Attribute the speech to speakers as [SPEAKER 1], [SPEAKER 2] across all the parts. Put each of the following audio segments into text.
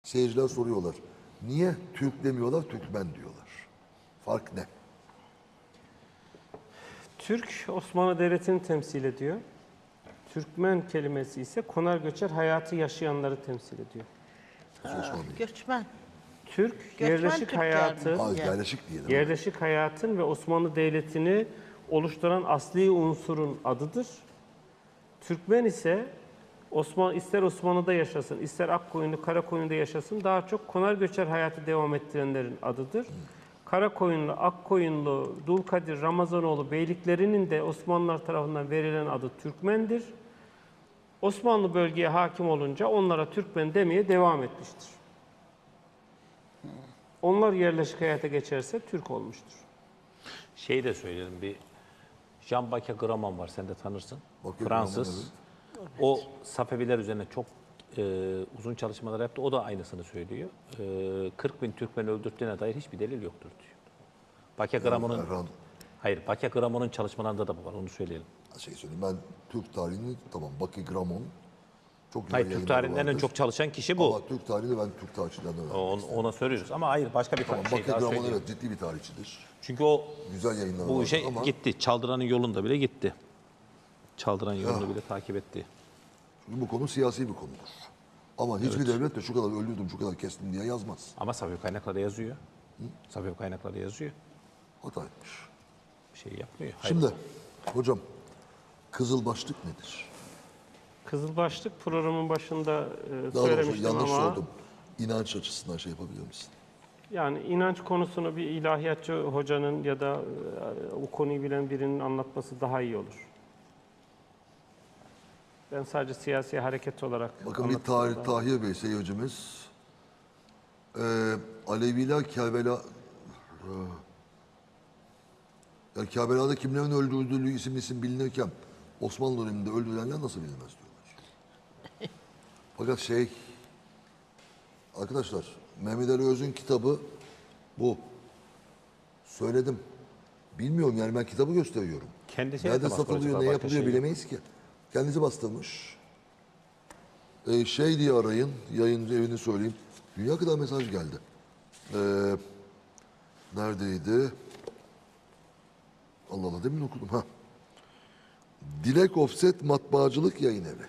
[SPEAKER 1] Seyirciler soruyorlar. Niye Türk demiyorlar, Türkmen diyorlar? Fark ne?
[SPEAKER 2] Türk, Osmanlı Devleti'ni temsil ediyor. Türkmen kelimesi ise konar göçer hayatı yaşayanları temsil ediyor.
[SPEAKER 1] Osmanlı.
[SPEAKER 3] Göçmen.
[SPEAKER 2] Türk,
[SPEAKER 3] Göçmen
[SPEAKER 2] yerleşik
[SPEAKER 3] Türkler
[SPEAKER 2] hayatı,
[SPEAKER 3] mi?
[SPEAKER 1] Az yerleşik diyelim.
[SPEAKER 2] yerleşik hayatın ve Osmanlı Devleti'ni oluşturan asli unsurun adıdır. Türkmen ise ister Osmanlı'da yaşasın, ister Akkoyunlu, Karakoyunlu'da yaşasın, daha çok konar göçer hayatı devam ettirenlerin adıdır. Karakoyunlu, Akkoyunlu, Dulkadir, Ramazanoğlu beyliklerinin de Osmanlılar tarafından verilen adı Türkmendir. Osmanlı bölgeye hakim olunca onlara Türkmen demeye devam etmiştir. Onlar yerleşik hayata geçerse Türk olmuştur.
[SPEAKER 4] Şey de söyleyelim, bir Jean-Baptiste Gramont var, sen de tanırsın.
[SPEAKER 1] Bakıyorum,
[SPEAKER 4] Fransız. O Safeviler üzerine çok uzun çalışmalar yaptı. O da aynısını söylüyor. 40 bin Türkmen öldürdüğüne dair hiçbir delil yoktur diyor. Baptiste Gramont'un Baptiste Gramont'un çalışmalarında da bu var, onu söyleyelim.
[SPEAKER 1] Şey söyleyeyim, ben Türk tarihini tamam, Baptiste Gramont çok güzel
[SPEAKER 4] Hayır, Türk
[SPEAKER 1] yayınları
[SPEAKER 4] tarihinden en
[SPEAKER 1] vardır.
[SPEAKER 4] çok çalışan kişi bu.
[SPEAKER 1] Ama Türk tarihini ben Türk tarihçilerden öğrendim.
[SPEAKER 4] Ona söylüyoruz ama hayır, başka bir
[SPEAKER 1] Tamam,
[SPEAKER 4] şey
[SPEAKER 1] Baptiste
[SPEAKER 4] daha
[SPEAKER 1] Gramont
[SPEAKER 4] söyleyeyim.
[SPEAKER 1] evet ciddi bir tarihçidir.
[SPEAKER 4] Çünkü o
[SPEAKER 1] Güzel yayınları
[SPEAKER 4] bu
[SPEAKER 1] vardır
[SPEAKER 4] işe
[SPEAKER 1] ama
[SPEAKER 4] gitti. Çaldıran'ın yolunda bile gitti. Çaldıran yolunu bile takip etti.
[SPEAKER 1] çünkü bu konu siyasi bir konudur. Ama hiçbir devlet de şu kadar öldürdüm, şu kadar kestim diye yazmaz.
[SPEAKER 4] Ama Safiye kaynaklarda yazıyor. Safiye kaynaklarda yazıyor.
[SPEAKER 1] Hata etmiş.
[SPEAKER 4] Bir şey yapmıyor. Hayır.
[SPEAKER 1] Şimdi hocam, kızılbaşlık nedir?
[SPEAKER 2] Kızılbaşlık programın başında
[SPEAKER 1] Daha doğrusu
[SPEAKER 2] söylemiştim
[SPEAKER 1] yanlış
[SPEAKER 2] ama
[SPEAKER 1] sordum. İnanç açısından şey yapabilir misin?
[SPEAKER 2] yani inanç konusunu bir ilahiyatçı hocanın ya da o konuyu bilen birinin anlatması daha iyi olur. Ben sadece siyasi hareket olarak
[SPEAKER 1] Bakın bir Tahir Bey seyircimiz, Aleviler Kerbela, yani Kerbela'da kimlerin öldürüldüğü isim bilinirken Osmanlı döneminde öldürülenler nasıl bilinmez diyorlar. Fakat arkadaşlar, Mehmet Ali Öz'ün kitabı bu. Söyledim. Bilmiyorum yani, ben kitabı gösteriyorum.
[SPEAKER 4] Kendisi
[SPEAKER 1] Nerede
[SPEAKER 4] yapamaz
[SPEAKER 1] satılıyor,
[SPEAKER 4] acaba,
[SPEAKER 1] ne
[SPEAKER 4] başka
[SPEAKER 1] yapılıyor
[SPEAKER 4] şey
[SPEAKER 1] bilemeyiz ki. Kendisi bastırmış. Diye arayın, yayıncı evini söyleyeyim. Dünya kadar mesaj geldi. Neredeydi? Allah Allah, demin okudum. Ha. Dilek Offset Matbaacılık Yayın Evi.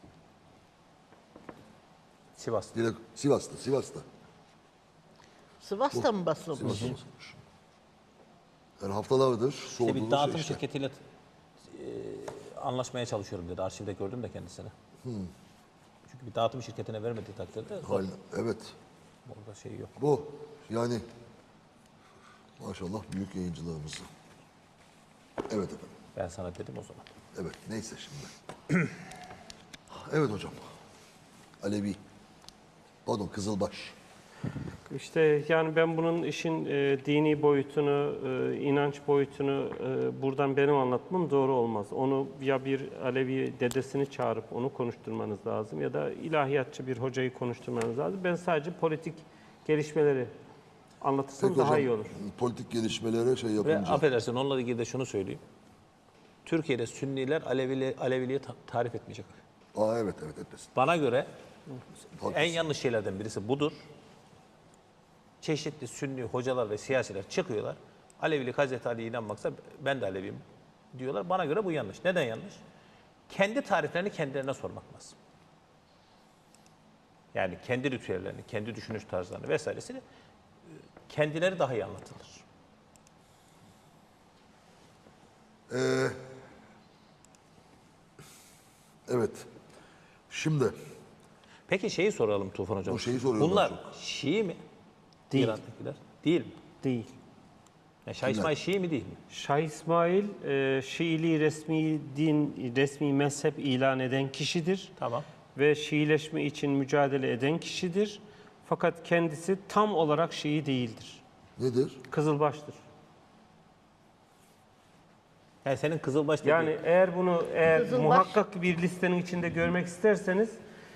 [SPEAKER 4] Sivas'ta.
[SPEAKER 1] Sivas'ta.
[SPEAKER 3] Sivas'ta mı basılmış?
[SPEAKER 1] Sivas'ta basılmış. Yani haftalardır
[SPEAKER 4] İşte
[SPEAKER 1] sorduğumuz
[SPEAKER 4] bir dağıtım
[SPEAKER 1] şey işte.
[SPEAKER 4] şirketiyle anlaşmaya çalışıyorum dedi. Arşivde gördüm de kendisini. Çünkü bir dağıtım şirketine vermediği takdirde zor.
[SPEAKER 1] Evet.
[SPEAKER 4] Orada şey yok.
[SPEAKER 1] Bu yani maşallah büyük yayıncılarımız. Evet efendim.
[SPEAKER 4] Ben sana dedim o zaman.
[SPEAKER 1] Evet, neyse şimdi. Evet hocam. Alevi. Pardon, Kızılbaş.
[SPEAKER 2] İşte yani ben bunun işin dini boyutunu, inanç boyutunu buradan benim anlatmam doğru olmaz. Onu ya bir Alevi dedesini çağırıp onu konuşturmanız lazım ya da ilahiyatçı bir hocayı konuşturmanız lazım. Ben sadece politik gelişmeleri anlatırsam
[SPEAKER 1] Peki
[SPEAKER 2] daha
[SPEAKER 1] hocam,
[SPEAKER 2] iyi olur.
[SPEAKER 1] politik gelişmelere şey
[SPEAKER 4] Ve
[SPEAKER 1] yapınca.
[SPEAKER 4] affedersin, onunla ilgili de şunu söyleyeyim. Türkiye'de Sünniler Aleviliği tarif etmeyecek.
[SPEAKER 1] Evet etmesin.
[SPEAKER 4] Bana göre
[SPEAKER 1] Haklısın.
[SPEAKER 4] en yanlış şeylerden birisi budur. Çeşitli Sünni hocalar ve siyasiler çıkıyorlar. Alevilik Hazreti Ali'ye inanmaksa ben de Aleviyim diyorlar. Bana göre bu yanlış. Neden yanlış? Kendi tariflerini kendilerine sormak lazım. Yani kendi ritüellerini, kendi düşünüş tarzlarını vesairesini kendileri daha iyi anlatılır.
[SPEAKER 1] Evet. Şimdi
[SPEAKER 4] Peki şeyi soralım Tufan Hocam.
[SPEAKER 1] O şeyi soruyorlar
[SPEAKER 4] Bunlar
[SPEAKER 1] çok.
[SPEAKER 4] Şii mi?
[SPEAKER 2] Değil.
[SPEAKER 4] İran'dakiler. Değil mi?
[SPEAKER 2] Değil.
[SPEAKER 4] Yani Şah İsmail Şii mi değil mi?
[SPEAKER 2] Şah İsmail Şiiliği resmi mezhep ilan eden kişidir.
[SPEAKER 4] Tamam.
[SPEAKER 2] Ve Şiileşme için mücadele eden kişidir. Fakat kendisi tam olarak Şii değildir.
[SPEAKER 1] nedir?
[SPEAKER 2] Kızılbaştır.
[SPEAKER 4] Yani senin Kızılbaş dediğin...
[SPEAKER 2] Yani eğer
[SPEAKER 3] Kızılbaş.
[SPEAKER 2] muhakkak bir listenin içinde görmek isterseniz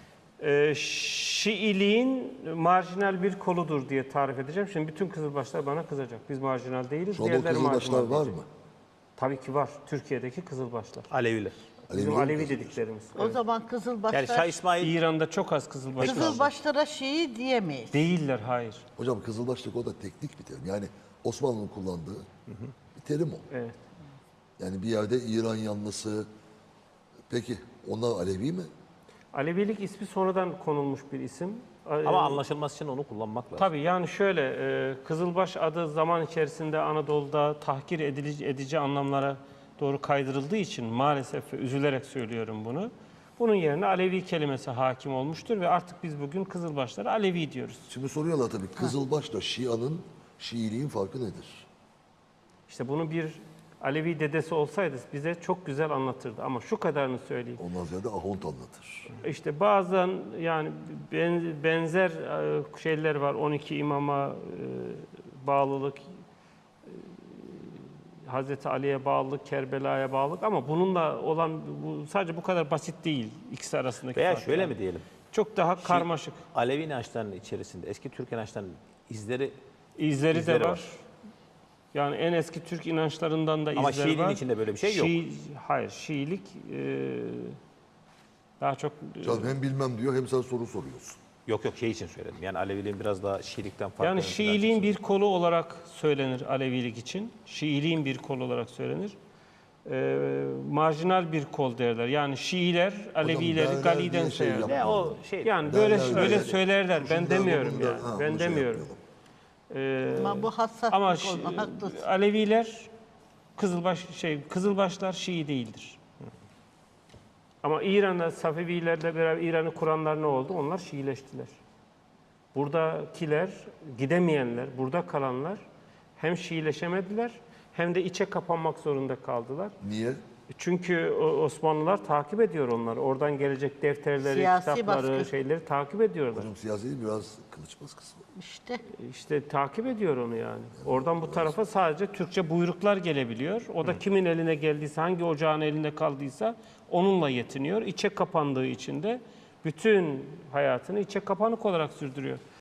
[SPEAKER 2] Şiiliğin marjinal bir koludur diye tarif edeceğim. Şimdi bütün Kızılbaşlar bana kızacak. Biz marjinal değiliz.
[SPEAKER 1] Şu anda o
[SPEAKER 2] diğerleri
[SPEAKER 1] Kızılbaşlar
[SPEAKER 2] marjinal
[SPEAKER 1] var
[SPEAKER 2] diyecek.
[SPEAKER 1] mı?
[SPEAKER 2] Tabii ki var. Türkiye'deki Kızılbaşlar.
[SPEAKER 4] Aleviler.
[SPEAKER 2] Bizim
[SPEAKER 1] Aleviler
[SPEAKER 2] Alevi
[SPEAKER 1] mi
[SPEAKER 2] dediklerimiz.
[SPEAKER 3] O zaman Kızılbaşlar,
[SPEAKER 4] Yani Şah İsmail
[SPEAKER 2] İran'da çok az Kızılbaş kaldı.
[SPEAKER 3] Kızılbaşlara Şii diyemeyiz.
[SPEAKER 2] Değiller, hayır.
[SPEAKER 1] Hocam Kızılbaşlık o da teknik bir terim. Yani Osmanlı'nın kullandığı bir terim o.
[SPEAKER 2] Evet.
[SPEAKER 1] Yani bir yerde İran yanlısı. Peki onlar Alevi mi?
[SPEAKER 2] Alevilik ismi sonradan konulmuş bir isim.
[SPEAKER 4] ama anlaşılması için onu kullanmak lazım.
[SPEAKER 2] Tabii yani şöyle, Kızılbaş adı zaman içerisinde Anadolu'da tahkir edici anlamlara doğru kaydırıldığı için maalesef ve üzülerek söylüyorum bunu. Bunun yerine Alevi kelimesi hakim olmuştur ve artık biz bugün Kızılbaşlara Alevi diyoruz.
[SPEAKER 1] Şimdi soruyorlar tabii Kızılbaş'la Şia'nın, Şiiliğin farkı nedir?
[SPEAKER 2] İşte bunu bir Alevi dedesi olsaydı bize çok güzel anlatırdı ama şu kadarını söyleyeyim.
[SPEAKER 1] Ondan ziyade Ahont anlatır.
[SPEAKER 2] İşte bazen yani benzer şeyler var. 12 imama bağlılık, Hazreti Ali'ye bağlılık, Kerbela'ya bağlılık ama bununla olan sadece bu kadar basit değil ikisi arasındaki
[SPEAKER 4] Veya
[SPEAKER 2] fark
[SPEAKER 4] şöyle
[SPEAKER 2] yani.
[SPEAKER 4] mi diyelim?
[SPEAKER 2] Çok daha karmaşık.
[SPEAKER 4] Alevi inançlarının içerisinde eski Türk inançlarının izleri
[SPEAKER 2] İzleri de
[SPEAKER 4] İzleri
[SPEAKER 2] var.
[SPEAKER 4] var.
[SPEAKER 2] Yani en eski Türk inançlarından da
[SPEAKER 4] Ama
[SPEAKER 2] izler var.
[SPEAKER 4] Şiiliğin içinde böyle bir şey yok.
[SPEAKER 2] Hayır, Şiilik daha çok
[SPEAKER 1] Canım hem bilmem diyor hem sen soru soruyorsun.
[SPEAKER 4] Yok şey için söyledim. Yani Aleviliğin biraz daha Şiilikten farklı.
[SPEAKER 2] yani Şiiliğin bir kolu olarak söylenir Alevilik için. Şiiliğin bir kolu olarak söylenir. Marjinal bir kol derler. Yani Şiiler Alevileri
[SPEAKER 1] derler
[SPEAKER 2] Gali'den
[SPEAKER 1] diye şey
[SPEAKER 2] sayarlar.
[SPEAKER 4] Ne o şey.
[SPEAKER 2] Yani
[SPEAKER 1] Derler,
[SPEAKER 2] böyle
[SPEAKER 1] derler.
[SPEAKER 2] söylerler. Ben
[SPEAKER 1] Şundan
[SPEAKER 2] demiyorum
[SPEAKER 1] bundan,
[SPEAKER 2] yani.
[SPEAKER 1] ha,
[SPEAKER 2] Ben
[SPEAKER 1] bunu şey
[SPEAKER 2] demiyorum.
[SPEAKER 1] yapmayalım.
[SPEAKER 3] Ama bu hassas
[SPEAKER 2] Ama
[SPEAKER 3] bir konu, haklısın.
[SPEAKER 2] Aleviler Kızılbaşlar Şii değildir. Ama İran'da Safevilerle beraber İran'ı kuranlar ne oldu? Onlar Şiileştiler. Buradakiler, gidemeyenler, burada kalanlar hem Şiileşemediler hem de içe kapanmak zorunda kaldılar.
[SPEAKER 1] Niye?
[SPEAKER 2] Çünkü Osmanlılar takip ediyor onları. Oradan gelecek defterleri,
[SPEAKER 3] Siyasi
[SPEAKER 2] kitapları,
[SPEAKER 3] baskı.
[SPEAKER 2] şeyleri takip ediyorlar.
[SPEAKER 1] Hocam siyasi değil, biraz kılıç baskısı var.
[SPEAKER 3] İşte
[SPEAKER 2] İşte takip ediyor onu yani. Oradan bu tarafa sadece Türkçe buyruklar gelebiliyor. O da kimin eline geldiyse, hangi ocağın elinde kaldıysa onunla yetiniyor. İçe kapandığı için de bütün hayatını içe kapanık olarak sürdürüyor.